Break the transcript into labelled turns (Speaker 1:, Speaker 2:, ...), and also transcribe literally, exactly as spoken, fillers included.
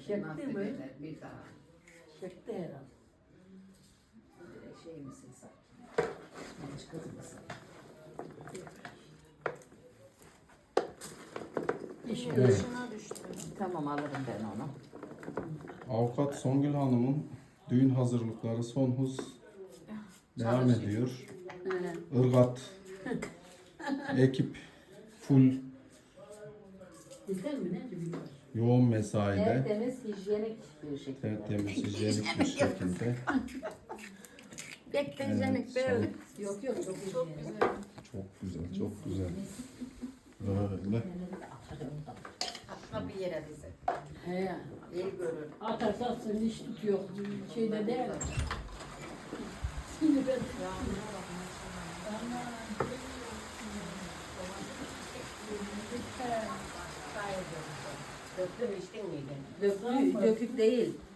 Speaker 1: Çekti
Speaker 2: Nasip
Speaker 1: mi?
Speaker 2: eder bir daha.
Speaker 1: Çekti herhalde.
Speaker 2: Ee, Şey misin sen? Genç kız mısın?
Speaker 1: İşte
Speaker 3: Evet.
Speaker 4: Dışına düştü.
Speaker 2: Tamam alırım ben onu.
Speaker 3: Avukat Songül Hanım'ın düğün hazırlıkları son hız devam
Speaker 2: Çalışıyor.
Speaker 3: ediyor.
Speaker 1: He.
Speaker 3: Irgat ekip full
Speaker 1: Güzel mi ne bilmiyorum.
Speaker 3: yoğun mesaide.
Speaker 2: Tertemiz, hijyenik bir şekilde.
Speaker 3: Tertemiz, hijyenik bir şekilde.
Speaker 4: Pek de
Speaker 3: Evet,
Speaker 4: hijyenik böyle.
Speaker 2: Yok yok çok
Speaker 4: Çok
Speaker 2: hijyenik.
Speaker 4: güzel.
Speaker 3: Çok güzel, çok güzel. Böyle.
Speaker 2: Atma bir yere bize.
Speaker 1: He.
Speaker 2: İyi görür.
Speaker 1: Atarsan seni hiç tutuyor. Şeyde değil. Şimdi ben
Speaker 2: Döktüm içtin miydin?
Speaker 1: Dökük, dökük değil.